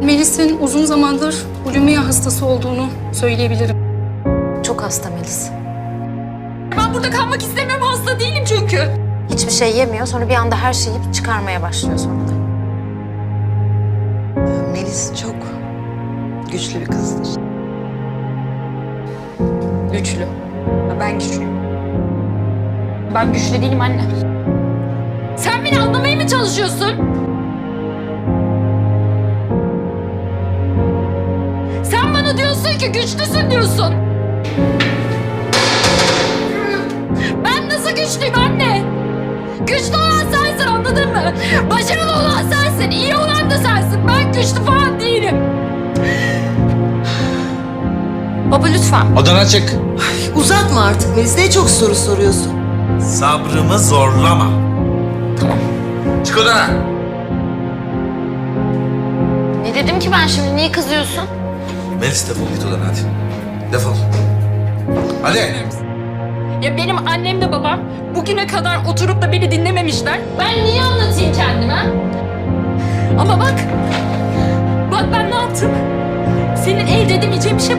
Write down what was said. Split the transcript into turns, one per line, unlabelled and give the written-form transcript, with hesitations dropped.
Melis'in uzun zamandır bulimia hastası olduğunu söyleyebilirim.
Çok hasta Melis.
Ben burada kalmak istemiyorum, hasta değilim çünkü.
Hiçbir şey yemiyor, sonra bir anda her şeyi yiyip çıkarmaya başlıyor sonunda.
Melis çok güçlü bir kızdır.
Güçlü. Ben güçlüyüm. Ben güçlü değilim anne. Sen beni anlamaya mı çalışıyorsun? Sen bana diyorsun ki güçlüsün diyorsun. Ben nasıl güçlüyüm anne? Güçlü olan sensin, anladın mı? Başarılı olan sensin, iyi olan da sensin. Ben güçlü falan değilim. Baba lütfen.
Odana çık.
Uzatma artık Melis. Ne çok soru soruyorsun.
Sabrımı zorlama.
Tamam.
Çık odana.
Ne dedim ki ben şimdi, niye kızıyorsun?
Melis defol git odana hadi. Defol. Hadi.
Ya benim annem de babam bugüne kadar oturup da beni dinlememişler. Ben niye anlatayım kendime? Ama bak ben ne yaptım? Senin elde edemeyeceğin bir şey